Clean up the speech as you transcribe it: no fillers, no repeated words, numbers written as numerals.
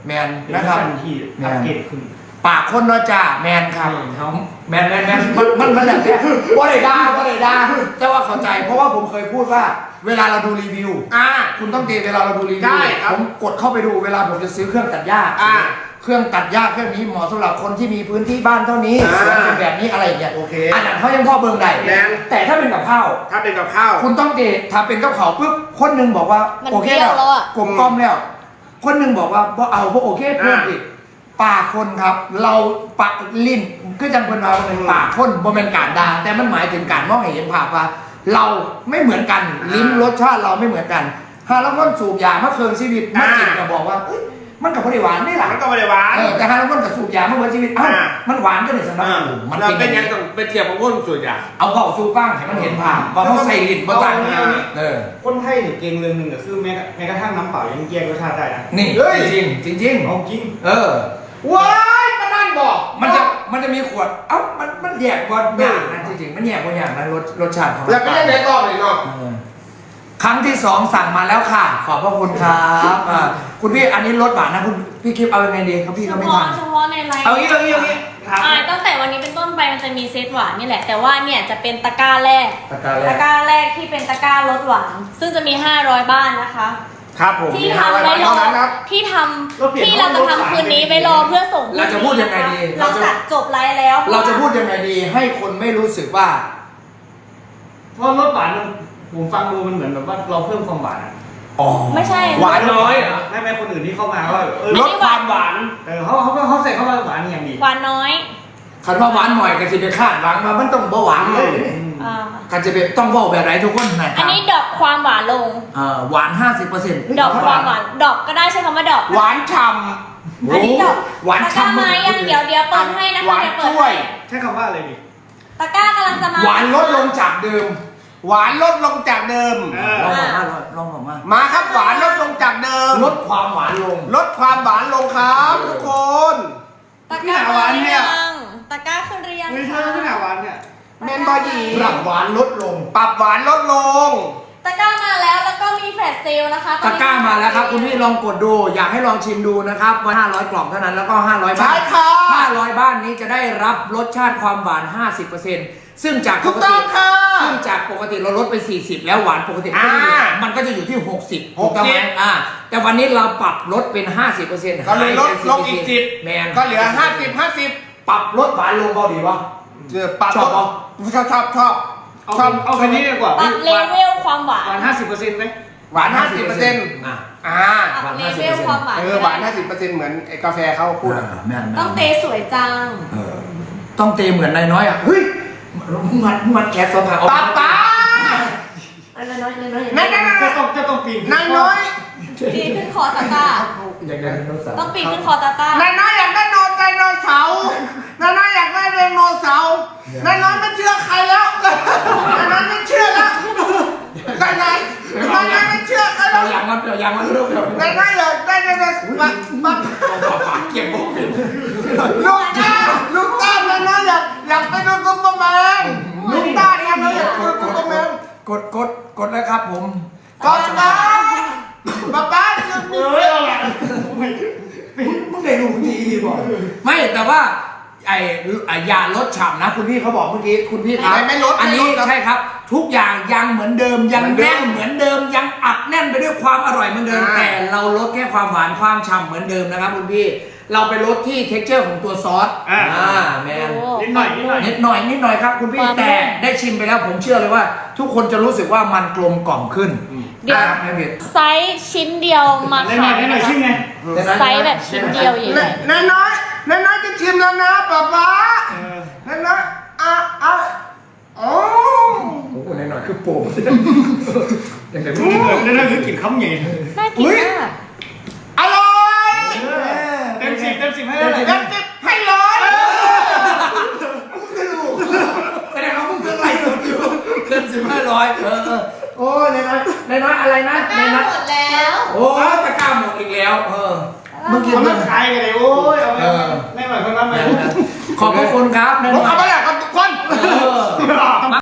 แมนนะครับที่อัปเกรดขึ้นปากคนเนาะจ้าแมนครับแมนมันแบบนี้ว่าได้ด่าแต่ว่าเข้าใจเพราะว่าผมเคยพูดว่าเวลาเราดูรีวิวคุณต้องเวลาเราดูรีวิวผมกดเข้าไปดูเวลาผมจะซื้อเครื่องตัดหญ้าเครื่องตัดหญ้าเครื่องนี้เหมาะสำหรับคนที่มีพื้นที่บ้านเท่านี้เสียงเป็นแบบนี้อะไรอย่างเงี้ยโอเคอันนั้นเขายังพ่อเบิ่งได้แต่ถ้าเป็นกับข้าวคุณต้องถ้าเป็นกับข้าวปุ๊บคนหนึงบอกว่าโอเคแล้วกลมกล่อมแล้วคนหนึงบอกว่าบ่เอาบ่โอเคเพิ่มอีกปากคนครับเราปากลิ้นคือจังคนเราเป็นปากคนบ่เป็นการด่าแต่มันหมายถึงการมองให้เห็นภาพว่าเราไม่เหมือนกันลิ้นรสชาติเราไม่เหมือนกันถ้าเราคนสูบยาเมื่อคืนชีวิตมากินก็บอกว่ามันกับผลิตหวานนี่แหละมันก็ไม่ได้หวานแต่ถ้าเราคนกับสูบยาเมื่อวันชีวิตมันหวานก็เลยสำหรับมันเป็นยังต้องไปเทียบกับคนสูบยาเอาเผาสูบบ้างให้มันเห็นภาพว่าเขาใส่ลิ้นบ้างคนไทยเนี่ยเก่งเรื่องหนึ่งก็คือแม้กระทั่งน้ำเปล่ายังแยกรสชาติได้นะนี่จริงเอาจริงว้ายมานั่นบอกมันจะมีขวดมันแยกบอลอย่างนั้นจริงๆมันแยกบอลอย่างนั้นรสชาติของแล้วก็ยังไงต่อเลยเนาะครั้งที่2สั่งมาแล้วค่ะขอบพระคุณครับคุณพี่อันนี้รสหวานนะคุณพี่คลิปเอายังไงดีครับพี่ก็ไม่ทันเฉพาะในไลน์เอางี้ตั้งแต่วันนี้เป็นต้นไปมันจะมีเซตหวานนี่แหละแต่ว่าเนี่ยจะเป็นตะกร้าแรกที่เป็นตะกร้ารสหวานซึ่งจะมี500บ้านนะคะครับผมที่ทำไว้รอที่เราจะทำคืนนี้ไว้รอเพื่อส่งเราจะพูดยังไงดีเราจัดจบไลฟ์แล้วเราจะพูดยังไงดีให้คนไม่รู้สึกว่าเพราะรสหวานผมฟังดูมันเหมือนแบบว่าเราเพิ่มความหวานไม่ใช่หวานน้อยไม่คนอื่นที่เข้ามาว่าลดความหวานเขาใส่เข้ามาหวานอย่างดีหวานน้อยคันว่าหวานหน่อยกันจะไปคาดหวังมามันต้องหวานเลยกันจะไปต้องบอกแบบไรทุกคนนะอันนี้ดอกความหวานลงหวาน 50% ดอกความหวานดอกก็ได้ใช้คำว่าดอกหวานฉ่ำอันนี้ดอกหวานฉ่ำไหมยังเดี๋ยวเปิดให้นะคะเดี๋ยวเปิดให้ใช้คำว่าอะไรดิตะกร้ากำลังจะมาหวานลดลงจากเดิมหวานลดลงจากเดิมลองบอกมาครับหวานลดลงจากเดิมลดความหวานลงครับทุกคนตะกร้าหวานเนี่ยตะกร้าขึ้นเรียงไม่ใช่ที่หนาหวานเนี่ยเมนบอดี้ปรับหวานลดลงปรับหวานลดลงตะกร้ามาแล้วก็มีแฟลชเซลนะคะตะกร้ามาแล้วครับคุณพี่ลองกดดูอยากให้ลองชิมดูนะครับว่า500กล่องเท่านั้นแล้วก็500บ้าน500บ้านนี้จะได้รับรสชาติความหวาน 50%ซึ่งจากปกติเราลดไป40แล้วหวานปกติมันก็จะอยู่ที่60ถูกต้องไหมแต่วันนี้เราปรับลดเป็น 50% ก็เลยลดลงอีก10 แมนก็เหลือ50 ปรับลดหวานลงเบาดีวะปรับชอบเอาแค่นี้ดีกว่าปรับเลเวลความหวาน 50%ไหมหวาน 50% ปรับเลเวลความหวานหวาน 50%เหมือนกาแฟเขาพูดต้องเตสวยจังต้องเตเหมือนนายน้อยเฮ้ยมัดแคสสภาป้าน้อยจะต้องปีนนายน้อยปีนขึ้นคอตาตาต้องปีนขึ้นคอตาตานายน้อยอยากได้ไดโนเสาร์นายน้อยอยากได้ไดโนเสาร์นายน้อยไม่เชื่อใครแล้วนายน้อยไม่เชื่อแล้วนายน้อยไม่เชื่อใครแล้วอย่างมันลูกนายน้อยอยากได้ไดโนเสาร์มาเก็บโบกินลูกตานายน้อยอยากไปดูซุปเปอร์แมนลูกตานายน้อยอยากดูซุปเปอร์แมนกดนะครับผมป้าคือมึงได้รู้ดีบอกไม่แต่ว่าไอ้ยาลดฉ่ำนะคุณพี่เขาบอกเมื่อกี้คุณพี่ครับไม่ลดอันนี้ใช่ครับทุกอย่างยังเหมือนเดิมยังแน่นเหมือนเดิมยังอัดแน่นไปด้วยความอร่อยเหมือนเดิมแต่เราลดแค่ความหวานความฉ่ำเหมือนเดิมนะครับคุณพี่เราไปลดที่ texture ของตัวซอสแมนนิดหน่อยครับคุณพี่แต่ได้ชิมไปแล้วผมเชื่อเลยว่าทุกคนจะรู้สึกว่ามันกลมกล่อมขึ้นไซส์ชิ้นเดียวมาขายไซส์แบบชิ้นเดียวอย่างนี้นายน้อยจะชิมแล้วนะป๊านายน้อยโอ้โหนายน้อยคือโป่งอย่างไรนั่นคือกินข้าวใหญ่น่ากินมากอร่อยเต็ม 10ให้เลยให้100 แสดงว่ามึงเกินไรสุดอยู่เกิน500โอ้นายน้อยอะไรนะนายน้อยหมดแล้วโอ้ตะกร้าหมดอีกแล้วเมื่อกี้มันขายกันเลยโอ้ยเอาไม่ไหวคนนั้นเลยขอบคุณครับผมเอาไปอยากกับทุกคน